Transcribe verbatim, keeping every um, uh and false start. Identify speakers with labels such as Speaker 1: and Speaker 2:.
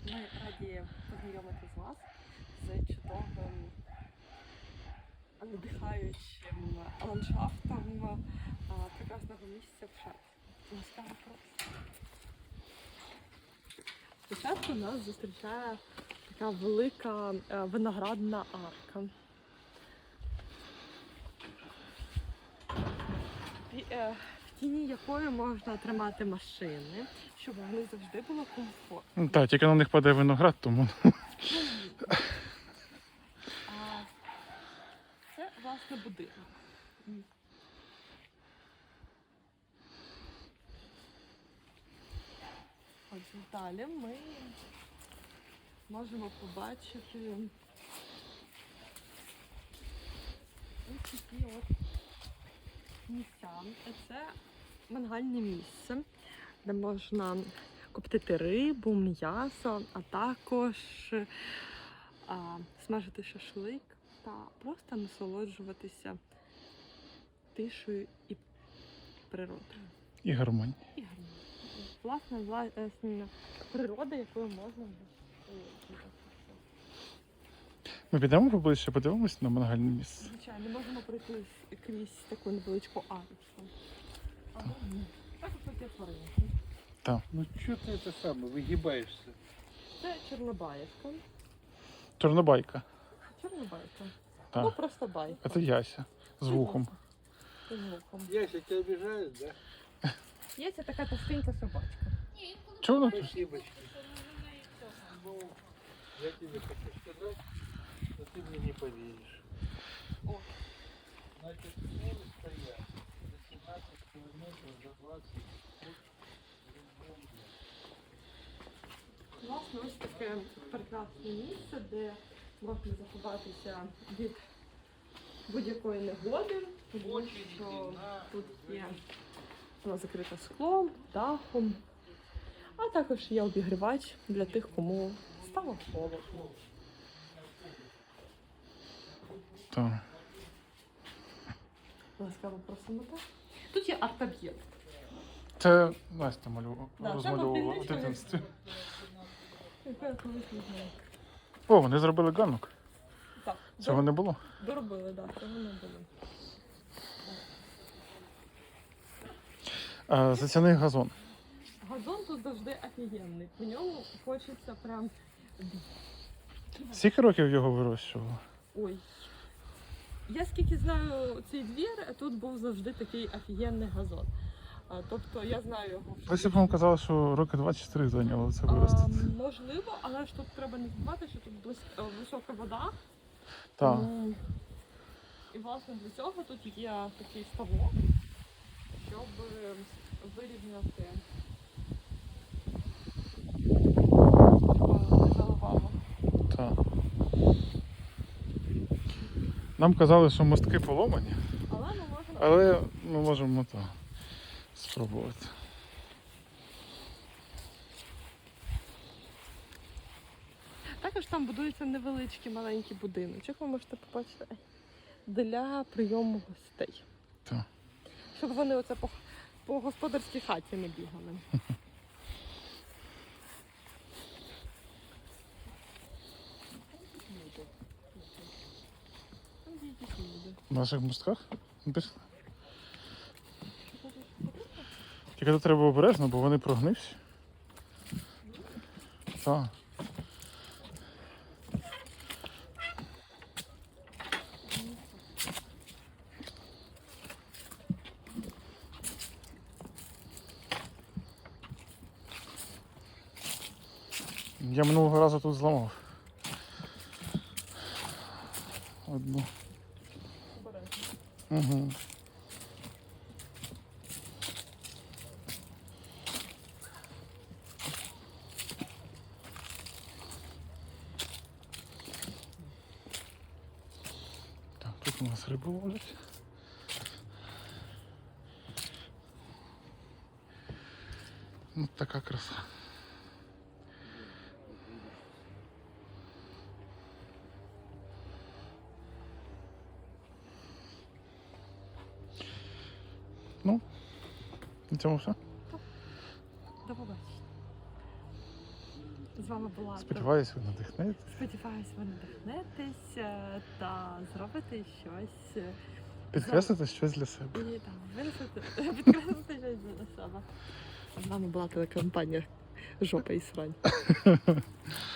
Speaker 1: Ми раді познайомити з вас з чудовим, надихаючим ландшафтом а, прекрасного місця в Шерці. Ласкаво прошу. Спочатку нас зустрічає така велика е, виноградна арка. І, е, в тіні якої можна тримати машини, щоб вони завжди було комфортно.
Speaker 2: Ну, так, тільки на них падає виноград, тому.
Speaker 1: А це, власне, будинок. Отже, далі ми можемо побачити ось такі от місця. Це мангальне місце, де можна коптити рибу, м'ясо, а також а, смажити шашлик та просто насолоджуватися тишою і природою.
Speaker 2: І гармонія.
Speaker 1: І гарно. Власне, власне, природа, якою можна насолоджуватися.
Speaker 2: Ми підемо поближче, подивимось на мангальне місце.
Speaker 1: Звичайно, можемо пройти крізь таку невеличку арочку. Або ні. Так ось є тваринки.
Speaker 3: Ну что ты это самое, выгибаешься?
Speaker 1: Це Чорнобаївка.
Speaker 2: Чорнобайка.
Speaker 1: Чорнобайка.
Speaker 2: Так.
Speaker 1: Ну, просто байка.
Speaker 2: Це Яся з вухом.
Speaker 1: З вухом.
Speaker 3: Яся, тебя обижают, да?
Speaker 1: Є це така товстенька собачка.
Speaker 2: Чого вона тут?
Speaker 3: Спасибочки. Ну, я тебе хочу сказать, что ты мне не поверишь.
Speaker 1: О.
Speaker 3: Значит, цели стоят за семнадцать километров, за двадцать фут.
Speaker 1: Власне, ось таке прекрасне місце, де можна заховатися від будь-якої негоди, тому що тут є воно закрите склом, дахом, а також є обігрівач для тих, кому стало холодно.
Speaker 2: Так.
Speaker 1: Ласкаво просимо так. Тут є арт-об'єкт.
Speaker 2: Це Настя малювала,
Speaker 1: Да, це
Speaker 2: розмальовувала в
Speaker 1: попільничка.
Speaker 2: дитинстві.
Speaker 1: Яка я колись не знаю.
Speaker 2: О, вони зробили ганок.
Speaker 1: Так,
Speaker 2: Цього не було.
Speaker 1: доробили, так, цього не було.
Speaker 2: А, затяний газон.
Speaker 1: Газон тут завжди офігенний. По ньому хочеться прям.
Speaker 2: Скільки років його вирощували?
Speaker 1: Ой. Я скільки знаю цей двір, тут був завжди такий офігенний газон. А, тобто я знаю його.
Speaker 2: Леся, по-моєму, казала, що роки двадцять чотири зайняло це
Speaker 1: А,
Speaker 2: виростити.
Speaker 1: можливо, але ж тут треба не забувати, що тут близь... е, висока вода.
Speaker 2: Так.
Speaker 1: М, І власне для цього тут є такий ставок, щоб е, вирівняти е, заливало.
Speaker 2: Так. Нам казали, що мостки поломані,
Speaker 1: Але ми можемо.
Speaker 2: але ми можемо то спробувати.
Speaker 1: Також там будується невеличкий маленький будиночок, ви можете побачити, для прийому гостей.
Speaker 2: Так.
Speaker 1: Щоб вони оце по, по господарській хаті не бігали. Там є якісь люди.
Speaker 2: В наших мостках? Ну, пішли. Тільки тут треба обережно, бо вони прогнивші. Так. Я минулого разу тут зламав. Одну.
Speaker 1: Обережно.
Speaker 2: Угу. Так, тут у нас рибу ловлять. Ну, така краса. Ну, на цьому все.
Speaker 1: До побачення. з вами була.
Speaker 2: Сподіваюсь, ви надихнете.
Speaker 1: Сподіваюсь, ви надихнетесь е, та зробите щось. е,
Speaker 2: Підкреслите щось для себе.
Speaker 1: І там винесете, підкреслити щось для себе. З вами була телекомпанія Жопа і срань.